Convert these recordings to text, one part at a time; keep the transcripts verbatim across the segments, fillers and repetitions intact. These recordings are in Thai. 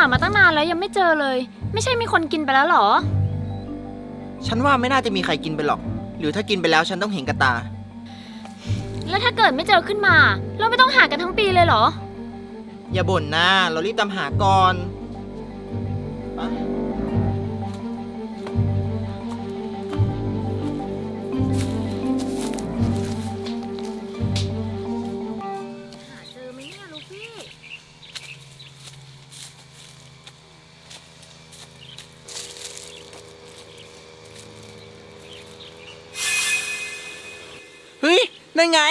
ามาตั้งนานแล้วยังไม่เจอเลยไม่ใช่มีคนกินไปแล้วหรอฉันว่าไม่น่าจะมีใครกินไปหรอกหรือถ้ากินไปแล้วฉันต้องเห็นกับตาแล้วถ้าเกิดไม่เจอขึ้นมาเราไม่ต้องหากันทั้งปีเลยเหรออย่าบ่นนะเรารีบตามหาก่อนไปหาเจอไหมเนี่ยลูฟี่เฮ้ยนั่นไง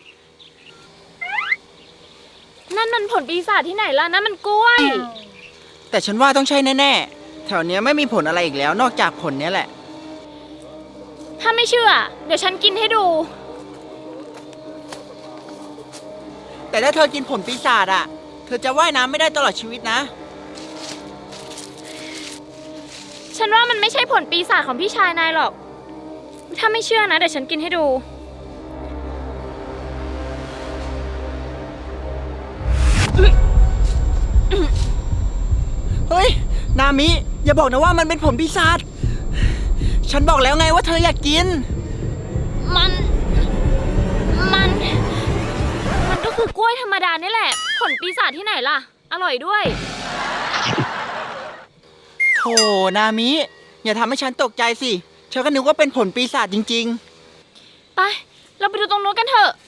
นั่นมันผลปีศาจที่ไหนล่ะนั่นมันกล้วยแต่ฉันว่าต้องใช่แน่ๆแถวเนี้ยไม่มีผลอะไรอีกแล้วนอกจากผลเนี้ยแหละถ้าไม่เชื่อเดี๋ยวฉันกินให้ดูแต่ถ้าเธอกินผลปีศาจอะเธอจะว่ายน้ำไม่ได้ตลอดชีวิตนะฉันว่ามันไม่ใช่ผลปีศาจของพี่ชายนายหรอกถ้าไม่เชื่อนะเดี๋ยวฉันกินให้ดูเฮ้ยนามิอย่าบอกนะว่ามันเป็นผลปีศาจฉันบอกแล้วไงว่าเธออยากกินมันมันมันก็คือกล้วยธรรมดานี่แหละผลปีศาจที่ไหนล่ะอร่อยด้วยโธ่นามิอย่าทำให้ฉันตกใจสิฉันก็นึกว่าเป็นผลปีศาจจริงๆไปเราไปดูตรงโน้นกันเถอะ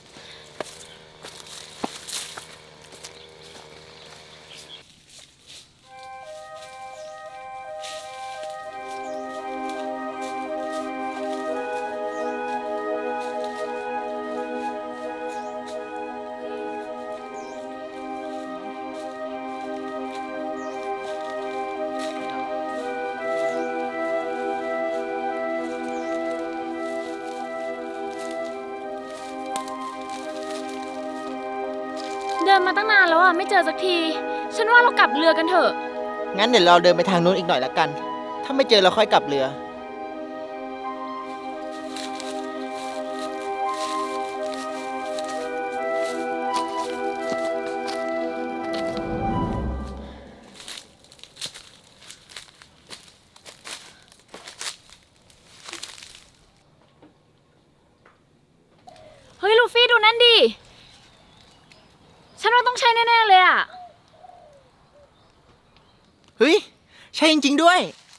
เดินมาตั้งนานแล้วอ่ะไม่เจอสักทีฉันว่าเรากลับเรือกันเถอะงั้นเดี๋ยวเราเดินไปทางนู้นอีกหน่อยละกันถ้าไม่เจอเราค่อยกลับเรือเฮ้ยลูฟี่ดูนั่นดิฉันว่าต้องใช่แน่ๆเลยอ่ะเฮ้ยใช่จริงๆด้วย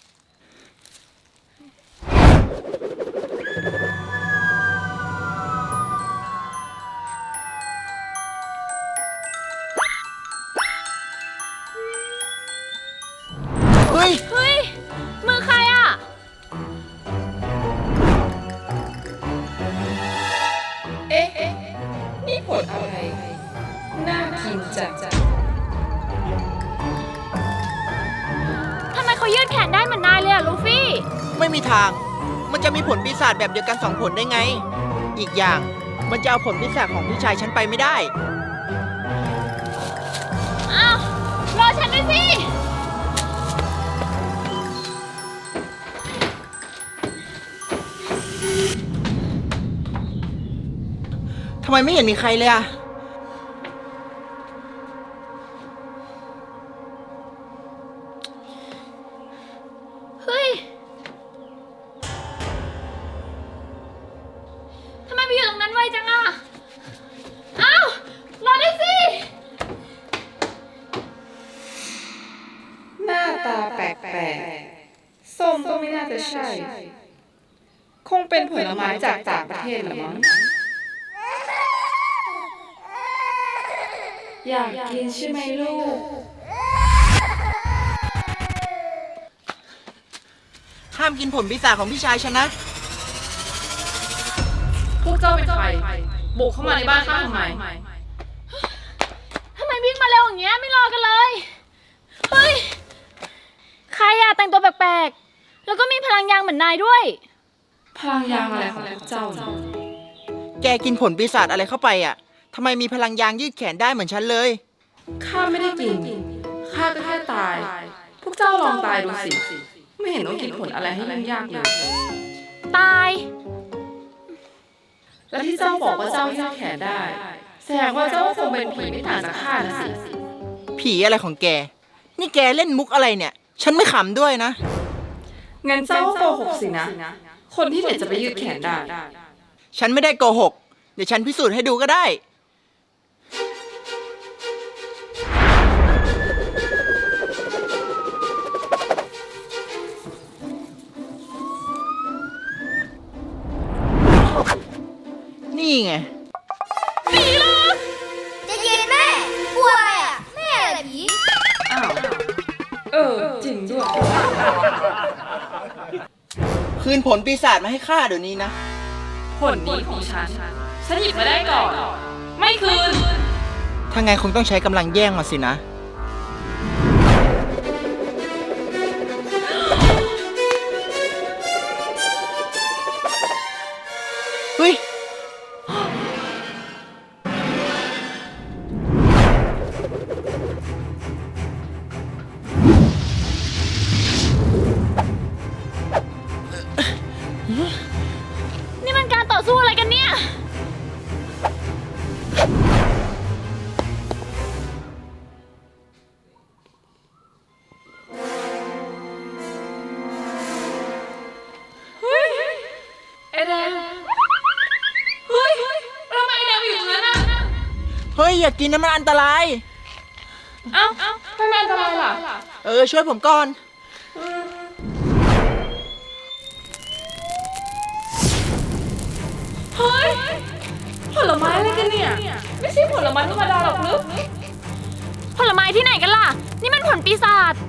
เฮ้ยเฮ้ยมือใครอ่ะเอ๊ะนี่ผลอะไรน่ากินจังทำไมเขายืดแขนได้เหมือนนายเลยอะลูฟี่ไม่มีทางมันจะมีผลปีศาจแบบเดียวกันสองผลได้ไงอีกอย่างมันจะเอาผลปีศาจของพี่ชายฉันไปไม่ได้อ้าวรอฉันด้วยสิทำไมไม่เห็นมีใครเลยอะเฮ้ยทำไมไปอยู่ตรงนั้นไวจังอะอ้าวรอด้วยสิหน้าตาแปลกๆส้มก็ไม่น่าจะใช่ คงเป็นผลไม้จากต่างประเทศหรือมั้งอยากกินใช่ไหมลูกห้ามกินผลปีศาจของพี่ชายฉันนะพวกเจ้าเป็นใครบุกเข้ามาในบ้านข้าทำไมทำไมวิ่งมาเร็วอย่างเงี้ยไม่รอกันเลยเฮ้ยใครอะแต่งตัวแปลกๆแล้วก็มีพลังยางเหมือนนายด้วยพลังยางอะไรของพวกเจ้าเนี่ยแกกินผลปีศาจอะไรเข้าไปอ่ะทำไมมีพลังยางยืดแขนได้เหมือนฉันเลยข้าไม่ได้กินข้าก็แค่ตายพวกเจ้าลองตายดูสิไม่เห็นต้องกินผลอะไรให้ยุ่งยากเลยตายแล้วที่เจ้าบอกว่าเจ้ายืดแขนได้แสดงว่าเจ้าคงเป็นผีไม่ต่างจากข้านะสิผีอะไรของแกนี่แกเล่นมุกอะไรเนี่ย ฉันไม่ขำด้วยนะงั้นเจ้าก็โกหกสินะ คนที่ไหนจะไปยืดแขนได้ฉันไม่ได้โกหก เดี๋ยวฉันพิสูจน์ให้ดูก็ได้ นี่ไงจะเย็นแม่กลัวอะไรอ่ะ แม่อะไรผีอ้าว เออ จริงด้วยคืนผลปีศาจมาให้ข้าเดี๋ยวนี้นะผลดีของฉัน ฉันหยิบมาได้ก่อน ไม่คืนถ้าไงคงต้องใช้กำลังแย่งมาสินะ เฮ้ยนี่มันการต่อสู้อะไรกันเนี่ยไอแดง เฮ้ยทำไมไอแดงอยู่ตรงนั้นอ่ะเฮ้ย อย่ากินนะมันอันตรายเอ้าทำไมอันตรายล่ะเออ ช่วยผมก่อนเฮ้ย ผลไม้อะไรกันเนี่ย ไม่ใช่ผลไม้ธรรมดาหรอกลึกผลไม้ที่ไหนกันล่ะ นี่มันผลปีศาจ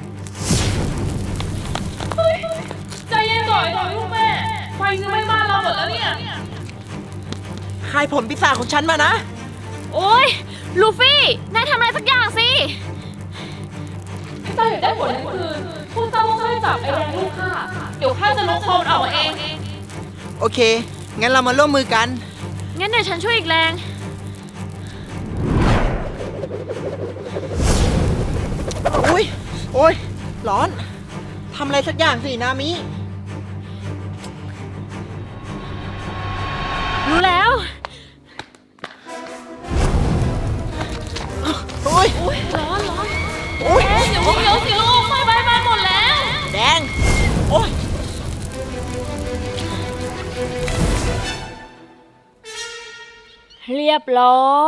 ใจเย็นก่อนก่อนลูกแม่ ไฟจะไหม้บ้านเราหมดแล้วเนี่ยคายผลปีศาจของฉันมานะโอ๊ย ลูฟี่ นายทำอะไรสักอย่างสิถ้าเจ้าอยากได้ผลนั้นคืนพวกเจ้าต้องช่วยจับไอแดงลูกข้า เดี๋ยวข้าจะลบคอมันออกมาเองโอเค งั้นเรามาร่วมมือกันงั้นเดี๋ยวฉันช่วยอีกแรงอุ้ย โอ้ย ร้อน ทำอะไรสักอย่างสิ นามิรู้แล้วโอ้ยร้อนร้อนโอ้ยเดี๋ยวเดี๋ยวสิลูกไฟไหม้บ้านหมดแล้วแดง โอ้ยเรียบร้อย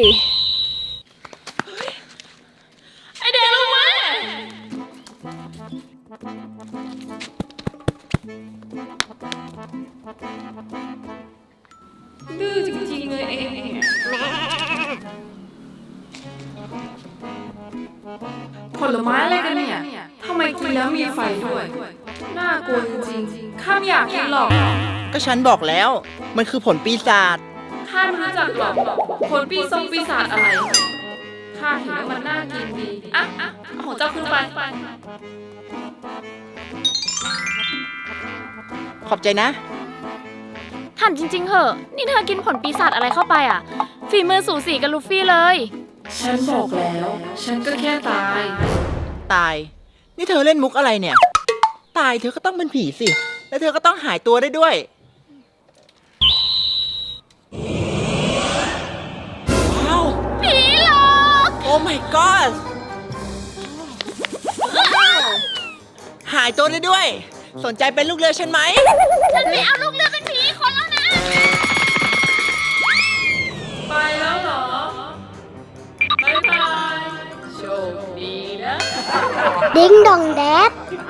ไอแดงลูกแม่ ดื้อจริงๆเลยเองผลไม้อะไรกันเนี่ย ทำไมกินแล้วมีไฟด้วย น่ากลัวจริงๆ ข้าไม่อยากกินหรอกก็ฉันบอกแล้ว มันคือผลปีศาจข้าไม่รู้จักหรอกผลปีศงปีศาจอะไร ข้าเห็นแล้วมันน่ากินดี อ่ะอ่ะเอาของเจ้าขึ้นไปขอบใจนะถามจริงๆเหอะ นี่เธอกินผลปีศาจอะไรเข้าไปอ่ะ ฝีมือสูสีกับลูฟี่เลยฉันบอกแล้ว ฉันก็แค่ตายตาย นี่เธอเล่นมุกอะไรเนี่ย ตายเธอก็ต้องเป็นผีสิ แล้วเธอก็ต้องหายตัวได้ด้วย ว้าวผีหลอกโอ้ my god หายตัวได้ด้วย สนใจเป็นลูกเรือฉันไหมฉันไม่เอาลูกเรือเป็นผีคนแล้วนะไปแล้วเหรอ บ๊ายบาย โชคดีนะดิ้งดองแดด